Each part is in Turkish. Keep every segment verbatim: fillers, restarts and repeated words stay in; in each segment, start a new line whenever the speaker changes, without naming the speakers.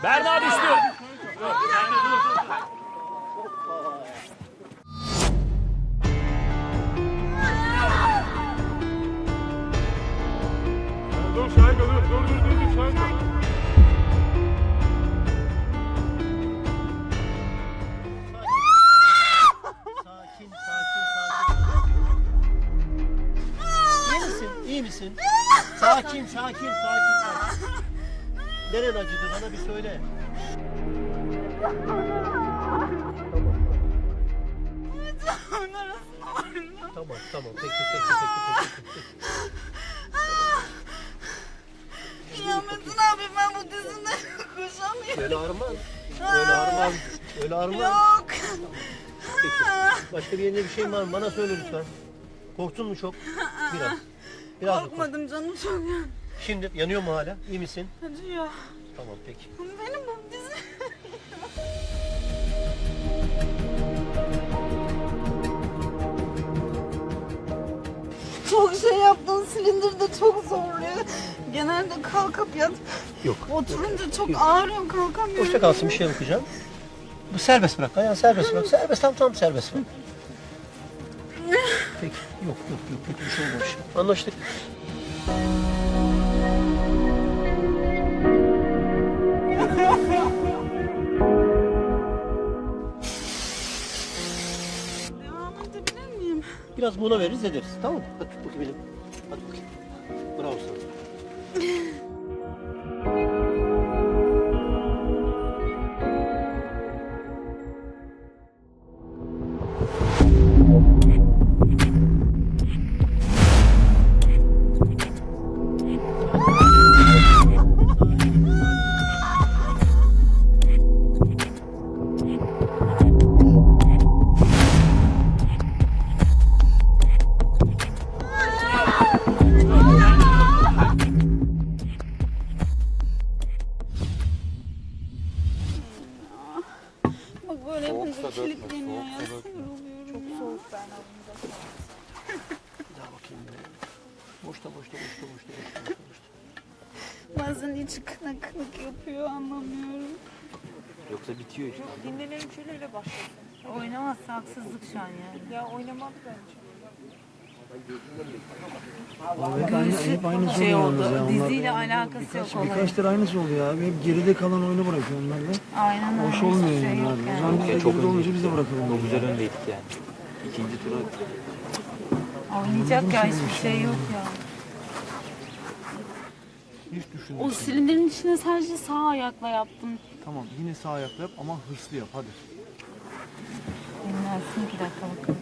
Berna düştü.
Dur Şahika dur dur dur dur dur Şahika.
Sakin, sakin, sakin. İyi misin? İyi misin? Sakin, sakin, sakin, sakin. Neren acıdı? Bana bir söyle. Tamam, tamam. Peki, peki, peki, peki.
Ya Metin abi ben bu dizinden koşamıyorum.
Öyle ağrıma. Öyle ağrıma. Öyle ağrıma.
Yok.
Peki. Başka bir yerinde bir şey var mı? Bana söyle lütfen. Korktun mu çok? Biraz. Biraz da kork.
Korkmadım canım çok ya.
Şimdi yanıyor mu hala? İyi misin?
Acıyor.
Tamam peki.
Benim bu dizi... Çok şey yaptın, silindir de çok zorluyor. Genelde kalkıp yat.
Yok.
Oturunca çok ağrıyor, kalkamıyorum.
Boşta kalsın bir şey bakacağım. Bu serbest bırak. Ayağını serbest bırak. Serbest tam tam serbest bırak. Peki. Yok yok yok. Kötü bir şey olmamış. Anlaştık.
Devam edebilir miyim?
Biraz mola veririz ederiz. Tamam mı? Hadi tut bakayım benim. Hadi bakayım. Bravo sana.
Bak böyle yapınca kilitleniyor ya. Sinir oluyorum. Çok soğuk ben
Bir daha bakayım. ben. Boşta boşta boşta boşta boşta boşta. boşta.
Bazen içi kınık kınık yapıyor anlamıyorum.
Yoksa bitiyor işte.
Dinlenelim şöyle öyle başlasın.
Oynamazsa haksızlık şu an yani.
Ya oynamadı bence.
Hep aynısı
Şey
oluyor
oldu,
yalnız ya. Onlar
diziyle alakası yok olayın.
birkaç tane aynısı oluyor abi. Hep geride kalan oyunu bırakıyor onlar da.
Aynen öyle.
Hoş olmuyor
Hiçbir şey
yani
yok
abi. O
yani.
zaman biz de
Çok
geride
önde.
olunca biz de bırakalım.
Çok güzel öndeydik yani. İkinci tura
Oynayacak ya hiçbir şey yok ya.
Hiç düşünme.
O silindirin içine sadece sağ ayakla yaptım.
Tamam yine sağ ayakla yap ama hırslı yap hadi.
Dinlensin iki dakika bakalım.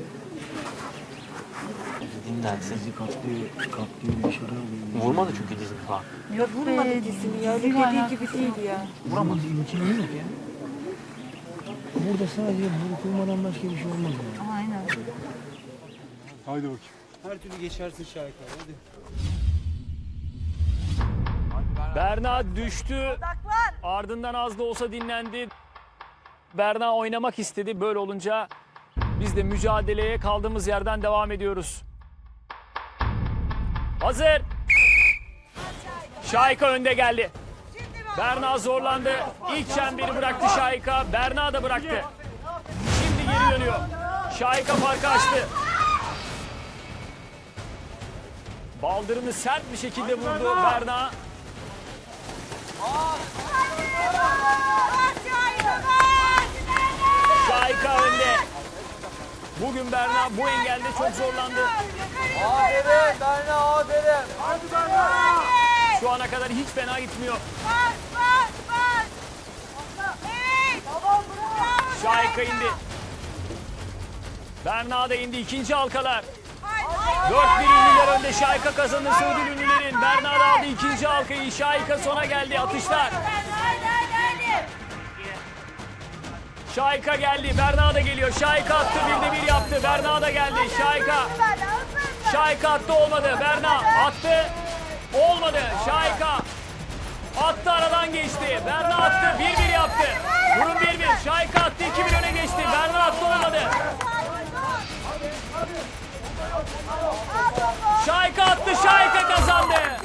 dinlensin.
Bizi katlıyor, katlıyor, dışarı alıyor.
Vurmadı çünkü dizini falan.
Yok
Vurmadı
be,
dizini ya. Öyle
diziyle
dediği
alakası
gibi değil
yok.
ya.
Vuramadı. İmkanı yok ya. Burada sadece vurulmadan başka bir şey olmaz yani.
Aynen.
Haydi bakayım.
Her türlü geçersin Şahika hadi.
Berna düştü. Ardından az da olsa dinlendi. Berna oynamak istedi. Böyle olunca biz de mücadeleye kaldığımız yerden devam ediyoruz. Hazır. Şahika önde geldi. Berna zorlandı. İlk çemberi bıraktı Şahika. Berna da bıraktı. Şimdi geri dönüyor. Şahika farkı açtı. Baldırını sert bir şekilde vurdu Berna. Şahika önde. Bugün Berna bu engelde çok zorlandı.
Aferin Berna aferin.
Şu ana kadar hiç fena gitmiyor. Şahika indi. Berna da indi. İkinci halkalar. dört bir ünlüler önde. Şahika kazanırsa ödül ünlülerin. Berna da aldı ikinci halkayı. Şahika sona geldi. Atışlar. Şahika geldi. Berna da geliyor. Şahika attı. Bir de bir yaptı. Berna da geldi. Şahika. Şahika attı. Olmadı. Berna attı. Olmadı. Şahika attı, aradan geçti. Berna attı. Bir bir yaptı. Durum bir bir. Şahika attı. iki bir öne geçti. Berna attı. Olmadı. Şahika attı. Şahika kazandı.